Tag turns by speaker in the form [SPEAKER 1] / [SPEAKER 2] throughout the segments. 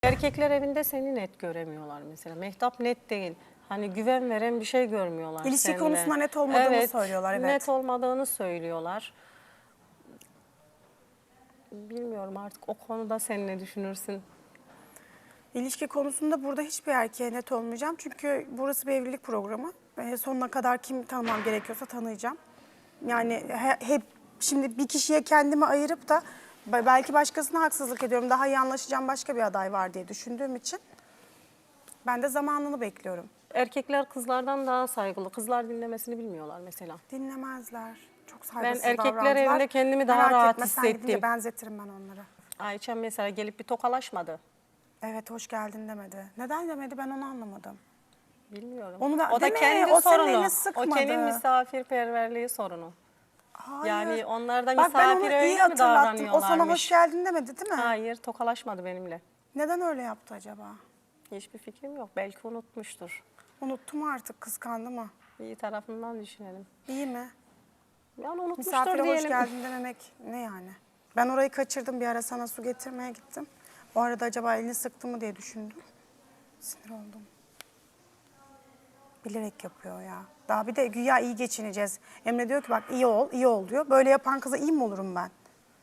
[SPEAKER 1] Erkekler evinde seni net göremiyorlar mesela. Mehtap net değil. Hani güven veren bir şey görmüyorlar
[SPEAKER 2] İlişki
[SPEAKER 1] seninle.
[SPEAKER 2] konusunda net olmadığını söylüyorlar, evet.
[SPEAKER 1] Net olmadığını söylüyorlar. Bilmiyorum artık o konuda sen ne düşünürsün?
[SPEAKER 2] İlişki konusunda burada hiçbir erkeğe net olmayacağım. Çünkü burası bir evlilik programı. Sonuna kadar kim tanımam gerekiyorsa tanıyacağım. Yani hep şimdi bir kişiye kendimi ayırıp da belki başkasına haksızlık ediyorum. Daha iyi anlaşacağım başka bir aday var diye düşündüğüm için ben de zamanını bekliyorum.
[SPEAKER 1] Erkekler kızlardan daha saygılı. Kızlar dinlemesini bilmiyorlar mesela.
[SPEAKER 2] Dinlemezler. Çok
[SPEAKER 1] Ben
[SPEAKER 2] saygısız
[SPEAKER 1] erkekler
[SPEAKER 2] davrandılar.
[SPEAKER 1] evinde kendimi daha
[SPEAKER 2] Merak
[SPEAKER 1] rahat
[SPEAKER 2] etme, sen gidince
[SPEAKER 1] hissettim.
[SPEAKER 2] benzetirim ben onları.
[SPEAKER 1] Ayça mesela gelip bir tokalaşmadı.
[SPEAKER 2] Evet, hoş geldin demedi. Neden demedi, ben onu anlamadım.
[SPEAKER 1] Bilmiyorum.
[SPEAKER 2] Onu da,
[SPEAKER 1] O da
[SPEAKER 2] değil mi?
[SPEAKER 1] kendi
[SPEAKER 2] O senin
[SPEAKER 1] sorunu.
[SPEAKER 2] elini
[SPEAKER 1] O
[SPEAKER 2] sıkmadı.
[SPEAKER 1] kendi misafirperverliği sorunu.
[SPEAKER 2] Hayır.
[SPEAKER 1] Yani onlar da
[SPEAKER 2] Bak, ben onu
[SPEAKER 1] misafir
[SPEAKER 2] iyi
[SPEAKER 1] öyle mi
[SPEAKER 2] hatırlattım. O sana
[SPEAKER 1] davranıyorlarmış?
[SPEAKER 2] hoş geldin demedi değil mi?
[SPEAKER 1] Hayır, tokalaşmadı benimle.
[SPEAKER 2] Neden öyle yaptı acaba?
[SPEAKER 1] Hiçbir fikrim yok. Belki unutmuştur.
[SPEAKER 2] Unuttum artık, kıskandı mı?
[SPEAKER 1] İyi tarafından düşünelim.
[SPEAKER 2] İyi mi?
[SPEAKER 1] Yani unutmuştur
[SPEAKER 2] Misafire
[SPEAKER 1] diyelim.
[SPEAKER 2] hoş geldin dememek ne yani? Ben orayı kaçırdım, bir ara sana su getirmeye gittim. O arada acaba elini sıktı mı diye düşündüm. Sinir oldum. Bilerek yapıyor ya. Daha bir de güya iyi geçineceğiz. Emre diyor ki bak iyi ol, iyi ol diyor. Böyle yapan kıza iyi mi olurum ben?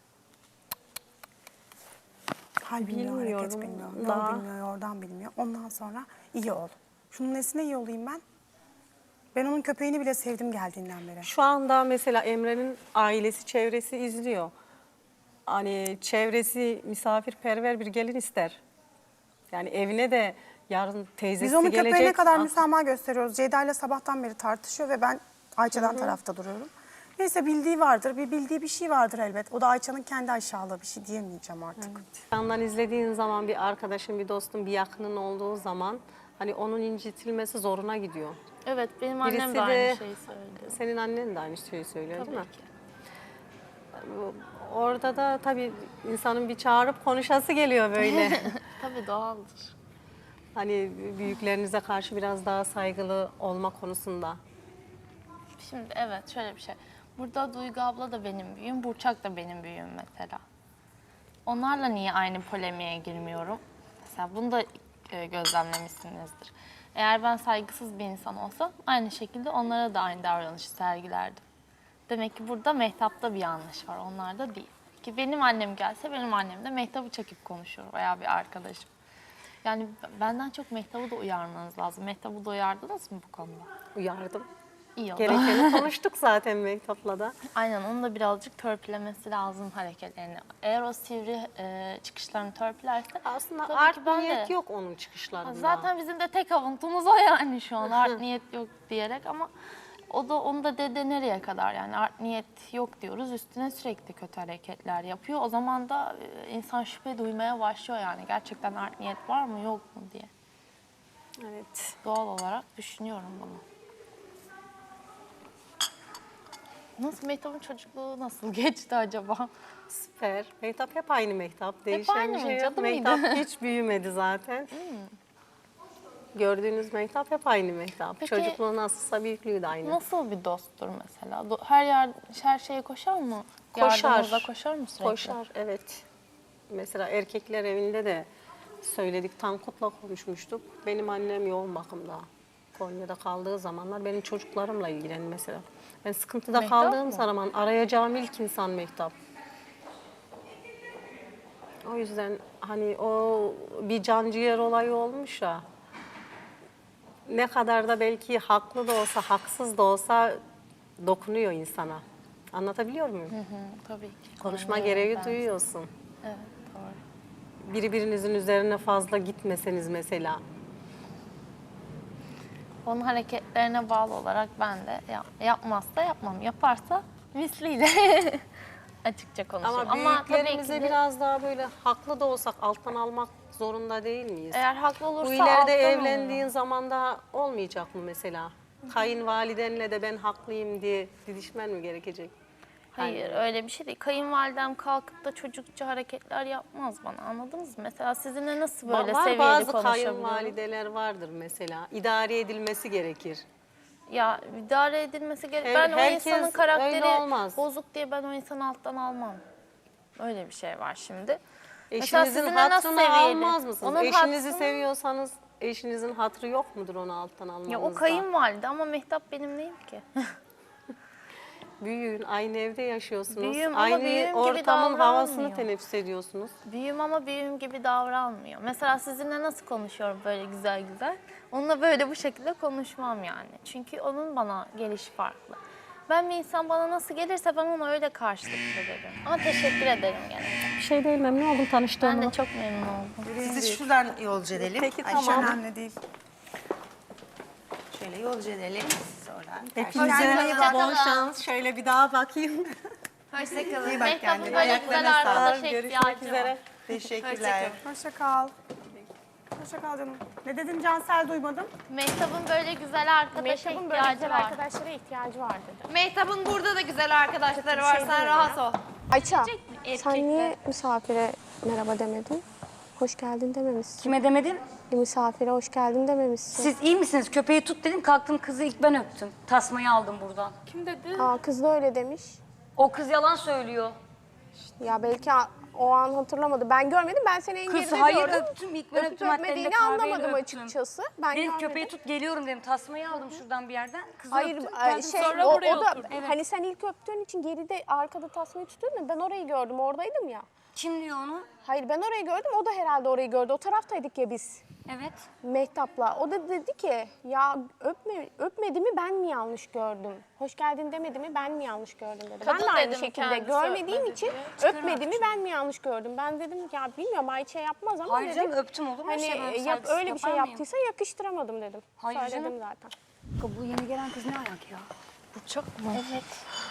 [SPEAKER 2] Hal bilmiyor, hareket
[SPEAKER 1] Bilmiyorum.
[SPEAKER 2] bilmiyor. Yol
[SPEAKER 1] Daha
[SPEAKER 2] bilmiyor, yordan bilmiyor. Ondan sonra iyi ol. Şunun nesine iyi olayım ben? Ben onun köpeğini bile sevdim geldiğinden beri.
[SPEAKER 1] şu anda mesela Emre'nin ailesi, çevresi izliyor. Hani çevresi misafirperver bir gelin ister. Yani evine de yarın teyzesi
[SPEAKER 2] Biz onun
[SPEAKER 1] gelecek.
[SPEAKER 2] köpeğine kadar müsamaha gösteriyoruz. Ceyda ile sabahtan beri tartışıyor ve ben Ayça'dan tarafta duruyorum. Neyse, bildiği vardır, bildiği bir şey vardır elbet. O da Ayça'nın kendi aşağılığı, bir şey diyemeyeceğim artık.
[SPEAKER 1] Yandan izlediğin zaman bir arkadaşın, bir dostun, bir yakının olduğu zaman hani onun incitilmesi zoruna gidiyor.
[SPEAKER 3] Evet, benim annem
[SPEAKER 1] Birisi
[SPEAKER 3] de aynı
[SPEAKER 1] de-
[SPEAKER 3] şeyi söylüyor.
[SPEAKER 1] Senin annen de aynı şeyi söylüyor
[SPEAKER 3] Tabii
[SPEAKER 1] değil mi?
[SPEAKER 3] ki.
[SPEAKER 1] Orada da tabii insanın bir çağırıp konuşası geliyor böyle.
[SPEAKER 3] Tabii doğaldır.
[SPEAKER 1] Hani büyüklerinize karşı biraz daha saygılı olma konusunda.
[SPEAKER 3] Şimdi evet, şöyle bir şey. Burada Duygu abla da benim büyüğüm, Burçak da benim büyüğüm mesela. Onlarla niye aynı polemiğe girmiyorum? Mesela bunu da gözlemlemişsinizdir. Eğer ben saygısız bir insan olsam aynı şekilde onlara da aynı davranışı sergilerdim. Demek ki burada Mehtap'ta bir yanlış var, onlarda değil. Ki benim annem gelse benim annem de Mehtap'ı çekip konuşur veya bir arkadaşım. Yani benden çok Mehtap'ı da uyarmanız lazım. Mehtap'ı da uyardınız mı bu konuda?
[SPEAKER 1] Uyardım.
[SPEAKER 3] İyi oldu.
[SPEAKER 1] Gerekeni konuştuk zaten Mehtap'la da.
[SPEAKER 3] Aynen, onun da birazcık törpülemesi lazım hareketlerini. Eğer o sivri çıkışlarını törpülerse...
[SPEAKER 1] Aslında
[SPEAKER 3] tabii
[SPEAKER 1] art
[SPEAKER 3] ki ben
[SPEAKER 1] niyet
[SPEAKER 3] de-
[SPEAKER 1] yok onun çıkışlarında.
[SPEAKER 3] Zaten bizim de tek avuntumuz o yani şu an art niyet yok diyerek, ama onu da dede nereye kadar, yani art niyet yok diyoruz, üstüne sürekli kötü hareketler yapıyor. O zaman da insan şüphe duymaya başlıyor, yani gerçekten art niyet var mı yok mu diye.
[SPEAKER 1] Evet.
[SPEAKER 3] Doğal olarak düşünüyorum bunu. Nasıl, Mehtap'ın çocukluğu nasıl geçti acaba?
[SPEAKER 1] Süper. Mehtap hep aynı Mehtap. Değişen
[SPEAKER 3] aynı
[SPEAKER 1] bir
[SPEAKER 3] mı?
[SPEAKER 1] şey yok.
[SPEAKER 3] Cadı
[SPEAKER 1] Mehtap
[SPEAKER 3] mıydı?
[SPEAKER 1] hiç büyümedi zaten. Gördüğünüz Mehtap hep aynı Mehtap.
[SPEAKER 3] Peki-
[SPEAKER 1] Çocukluğu nasılsa büyüklüğü de aynı.
[SPEAKER 3] Nasıl bir dosttur mesela? Her şeye koşar mı?
[SPEAKER 1] Koşar.
[SPEAKER 3] Yardımınıza koşar mı sürekli?
[SPEAKER 1] Koşar, evet. Mesela erkekler evinde de söyledik. Tankut'la konuşmuştuk. Benim annem yoğun bakımda. Konya'da kaldığı zamanlar benim çocuklarımla ilgilendi mesela. Ben sıkıntıda
[SPEAKER 3] Mehtap
[SPEAKER 1] kaldığım
[SPEAKER 3] mı?
[SPEAKER 1] zaman arayacağım ilk insan Mehtap. O yüzden hani o bir canciğer olayı olmuş ya. Ne kadar da belki haklı da olsa, haksız da olsa dokunuyor insana. Anlatabiliyor muyum?
[SPEAKER 3] Tabii ki.
[SPEAKER 1] Konuşma
[SPEAKER 3] Anlıyorum
[SPEAKER 1] gereği
[SPEAKER 3] ben.
[SPEAKER 1] duyuyorsun.
[SPEAKER 3] Evet, doğru.
[SPEAKER 1] Birbirinizin üzerine fazla gitmeseniz mesela.
[SPEAKER 3] Onun hareketlerine bağlı olarak ben de yapmazsa yapmam, yaparsa misliyle açıkça konuşurum.
[SPEAKER 1] Ama
[SPEAKER 3] tabii ki
[SPEAKER 1] büyüklerimize
[SPEAKER 3] de
[SPEAKER 1] biraz daha böyle haklı da olsak alttan almak zorunda değil miyiz?
[SPEAKER 3] eğer haklı olursa
[SPEAKER 1] Bu ileride
[SPEAKER 3] alttan
[SPEAKER 1] evlendiğin
[SPEAKER 3] oluyor.
[SPEAKER 1] zaman da olmayacak mı mesela? Kayınvalidenle de ben haklıyım diye didişmen mi gerekecek?
[SPEAKER 3] Hayır, öyle bir şey değil. Kayınvalidem kalkıp da çocukça hareketler yapmaz bana, anladınız mı? Mesela sizinle nasıl böyle
[SPEAKER 1] Var
[SPEAKER 3] seviyeli
[SPEAKER 1] bazı
[SPEAKER 3] konuşabiliyorum?
[SPEAKER 1] kayınvalideler vardır mesela. İdare edilmesi gerekir.
[SPEAKER 3] Ya idare edilmesi gerek.
[SPEAKER 1] Her-
[SPEAKER 3] Ben o
[SPEAKER 1] herkes
[SPEAKER 3] insanın
[SPEAKER 1] öyle
[SPEAKER 3] karakteri
[SPEAKER 1] olmaz.
[SPEAKER 3] bozuk diye ben o insanı alttan almam. Öyle bir şey var şimdi. Mesela
[SPEAKER 1] Eşinizin
[SPEAKER 3] sizinle nasıl
[SPEAKER 1] hatırını
[SPEAKER 3] seviyeli?
[SPEAKER 1] almaz mısınız?
[SPEAKER 3] Onun
[SPEAKER 1] Eşinizi
[SPEAKER 3] hatrını-
[SPEAKER 1] seviyorsanız eşinizin hatırı yok mudur onu alttan almanızda?
[SPEAKER 3] Ya o kayınvalide ama Mehtap benim neyim ki?
[SPEAKER 1] Büyüğün, aynı evde yaşıyorsunuz.
[SPEAKER 3] Büyüğüm ama
[SPEAKER 1] aynı
[SPEAKER 3] büyüğüm gibi
[SPEAKER 1] ortamın havasını
[SPEAKER 3] davranmıyor.
[SPEAKER 1] teneffüs ediyorsunuz.
[SPEAKER 3] Büyüğüm ama büyüğüm gibi davranmıyor. Mesela sizinle nasıl konuşuyorum böyle güzel güzel? Onunla böyle bu şekilde konuşmam yani. Çünkü onun bana gelişi farklı. Ben bir insan bana nasıl gelirse ben ona öyle karşılık veririm. Ama teşekkür ederim gene.
[SPEAKER 1] Bir şey değil, memnun oldum tanıştığıma.
[SPEAKER 3] Ben de çok memnun oldum.
[SPEAKER 4] Sizi şuradan yolcu edelim.
[SPEAKER 1] Peki,
[SPEAKER 4] Ayşe
[SPEAKER 1] tamam.
[SPEAKER 4] Hanım.
[SPEAKER 2] Önemli değil.
[SPEAKER 4] Şöyle yolcu edelim sizi oradan.
[SPEAKER 1] Hepinize
[SPEAKER 3] Hoşça
[SPEAKER 1] bol
[SPEAKER 3] kalın.
[SPEAKER 1] şans. Şöyle bir daha bakayım.
[SPEAKER 3] Hoşçakalın.
[SPEAKER 4] İyi bak
[SPEAKER 3] Mehtap'ın
[SPEAKER 4] kendine.
[SPEAKER 3] böyle
[SPEAKER 4] Ayaklarına
[SPEAKER 3] güzel
[SPEAKER 4] sağlık.
[SPEAKER 3] arkadaşa
[SPEAKER 1] Görüşmek
[SPEAKER 3] ihtiyacı var.
[SPEAKER 1] üzere.
[SPEAKER 4] Teşekkürler.
[SPEAKER 2] Hoşça kal. Hoşça kal canım. Ne dedin Cansel, duymadım.
[SPEAKER 3] Mehtap'ın böyle güzel arkadaşa
[SPEAKER 5] Mehtap'ın böyle
[SPEAKER 3] ihtiyacı
[SPEAKER 5] güzel
[SPEAKER 3] var.
[SPEAKER 5] arkadaşlara ihtiyacı var dedi.
[SPEAKER 6] Mehtap'ın burada da güzel arkadaşları var. Sen rahat ol.
[SPEAKER 5] Ayça,
[SPEAKER 3] Erkekler.
[SPEAKER 5] sen niye misafire merhaba demedin? Hoş geldin dememişsin.
[SPEAKER 7] Kime demedim?
[SPEAKER 5] Misafire hoş geldin dememişsin.
[SPEAKER 7] Siz iyi misiniz? Köpeği tut dedim, kalktım kızı ilk ben öptüm. Tasmayı aldım buradan.
[SPEAKER 5] Aa, kız da öyle demiş.
[SPEAKER 7] O kız yalan söylüyor.
[SPEAKER 5] Ya belki o an hatırlamadı. Ben görmedim, ben seni en
[SPEAKER 7] Kız
[SPEAKER 5] geride
[SPEAKER 7] hayır
[SPEAKER 5] gördüm.
[SPEAKER 7] öptüm, ilk ben
[SPEAKER 5] Öpüp
[SPEAKER 7] öptüm. Hatta
[SPEAKER 5] öpmediğini
[SPEAKER 7] elinde kahveyle
[SPEAKER 5] anlamadım
[SPEAKER 7] öptüm.
[SPEAKER 5] açıkçası. Ben
[SPEAKER 7] Dedim
[SPEAKER 5] görmedim.
[SPEAKER 7] köpeği tut geliyorum dedim. Tasmayı aldım şuradan bir yerden. Kızı
[SPEAKER 5] Hayır,
[SPEAKER 7] öptüm.
[SPEAKER 5] o da hani sen ilk öptüğün için geride arkada tasmayı tutuyordun ya, ben orayı gördüm, oradaydım ya.
[SPEAKER 7] Kim diyor onu?
[SPEAKER 5] Hayır, ben orayı gördüm, o da herhalde orayı gördü. O taraftaydık ya biz.
[SPEAKER 7] Evet.
[SPEAKER 5] Mehtap'la. O da dedi ki ya öpmedi mi ben mi yanlış gördüm? Hoş geldin demedi mi ben mi yanlış gördüm dedi. Ben
[SPEAKER 3] Kadın
[SPEAKER 5] de aynı
[SPEAKER 3] dedim,
[SPEAKER 5] şekilde
[SPEAKER 3] kendisi
[SPEAKER 5] görmediğim
[SPEAKER 3] öpmedi
[SPEAKER 5] için
[SPEAKER 3] diye.
[SPEAKER 5] öpmedi mi ben mi yanlış gördüm? Ben dedim ya bilmiyorum Ayça yapmaz ama
[SPEAKER 7] Hayır
[SPEAKER 5] dedim.
[SPEAKER 7] canım, öptüm olur mu?
[SPEAKER 5] Hani
[SPEAKER 7] Şey, böyle
[SPEAKER 5] yap,
[SPEAKER 7] saygısız
[SPEAKER 5] öyle bir şey
[SPEAKER 7] yapar mıyım?
[SPEAKER 5] yaptıysa yakıştıramadım dedim.
[SPEAKER 7] Hayır
[SPEAKER 5] Söyledim
[SPEAKER 7] canım.
[SPEAKER 5] zaten.
[SPEAKER 7] Bu yeni gelen kız ne ayak ya?
[SPEAKER 3] Burçak mı?
[SPEAKER 7] Evet.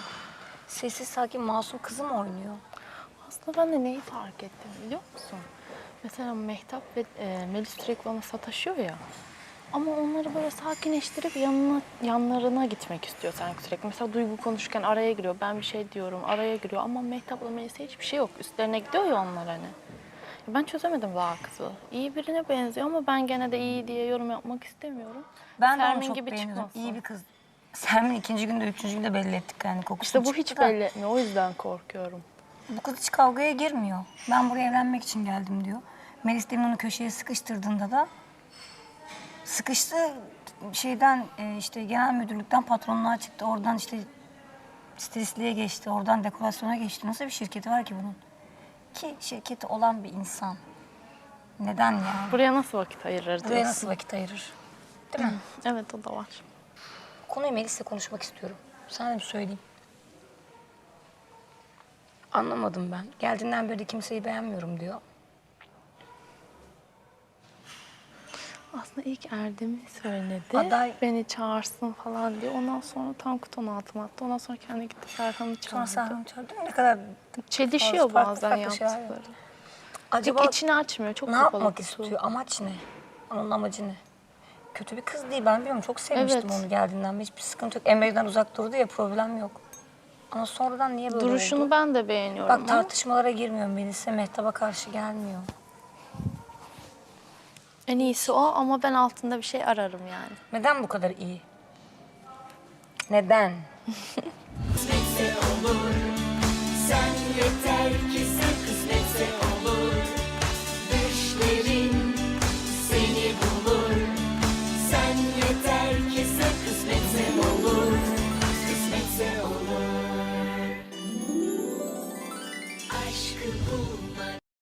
[SPEAKER 7] Sessiz sakin masum kızı mı oynuyor?
[SPEAKER 3] Aslında ben de neyi fark ettim biliyor musun? Mesela Mehtap ve Melis sürekli bana sataşıyor ya. Ama onları böyle sakinleştirip yanlarına gitmek istiyor sanki sürekli. Mesela Duygu konuşurken araya giriyor. Ben bir şey diyorum, araya giriyor. Ama Mehtap'la Melis'e hiçbir şey yok. Üstlerine gidiyor ya onlar hani. Ben çözemedim daha kızı. İyi birine benziyor ama ben gene de iyi diye yorum yapmak istemiyorum.
[SPEAKER 7] Ben de onu
[SPEAKER 3] Sermin
[SPEAKER 7] çok
[SPEAKER 3] gibi
[SPEAKER 7] beğeniyorum.
[SPEAKER 3] çıkmasın.
[SPEAKER 7] İyi bir kız. Sermin ikinci günde, üçüncü günde belli ettik yani kokusunu
[SPEAKER 3] İşte bu hiç
[SPEAKER 7] çıktı da.
[SPEAKER 3] belli etmiyor. O yüzden korkuyorum.
[SPEAKER 7] Bu kız hiç kavgaya girmiyor. Ben buraya evlenmek için geldim diyor. Melis demin onu köşeye sıkıştırdığında da sıkıştı şeyden işte genel müdürlükten patronluğa çıktı. Oradan işte stilistliğe geçti. Oradan dekorasyona geçti. Nasıl bir şirketi var ki bunun? Ki şirketi olan bir insan. Neden yani?
[SPEAKER 3] Buraya nasıl vakit ayırır
[SPEAKER 7] Buraya
[SPEAKER 3] diyorsun?
[SPEAKER 7] nasıl vakit ayırır? Değil mi?
[SPEAKER 3] Evet o da var.
[SPEAKER 7] Konuyu Melis'le konuşmak istiyorum. Sana da bir söyleyeyim. Anlamadım ben. Geldiğinden beri de kimseyi beğenmiyorum diyor.
[SPEAKER 3] Aslında ilk Erdem'i söyledi.
[SPEAKER 7] Aday-
[SPEAKER 3] Beni çağırsın falan diye. Ondan sonra Tankut onu altıma attı. Ondan sonra kendi gitti Serhan'ı
[SPEAKER 7] Sonra
[SPEAKER 3] çağırdı.
[SPEAKER 7] Serhan çağırdı. Ne kadar
[SPEAKER 3] Çelişiyor
[SPEAKER 7] farklı
[SPEAKER 3] bazen
[SPEAKER 7] farklı şeyler
[SPEAKER 3] yaptıkları.
[SPEAKER 7] acaba
[SPEAKER 3] Pek içini açmıyor. Çok
[SPEAKER 7] ne
[SPEAKER 3] kapalı
[SPEAKER 7] yapmak
[SPEAKER 3] kutu.
[SPEAKER 7] istiyor? Amaç ne? Onun amacı ne? Kötü bir kız değil. Ben biliyorum çok sevmiştim
[SPEAKER 3] Evet.
[SPEAKER 7] onu geldiğinden beri. Hiçbir sıkıntı yok. Emre'den uzak durdu ya, problem yok. Ama sonradan niye böyle
[SPEAKER 3] Duruşunu
[SPEAKER 7] oldu?
[SPEAKER 3] ben de beğeniyorum
[SPEAKER 7] Bak
[SPEAKER 3] ama
[SPEAKER 7] tartışmalara girmiyor Melis'e. Mehtap'a karşı gelmiyor.
[SPEAKER 3] en iyisi o ama ben altında bir şey ararım yani.
[SPEAKER 7] Neden bu kadar iyi? Neden?
[SPEAKER 8] Sen yeter ki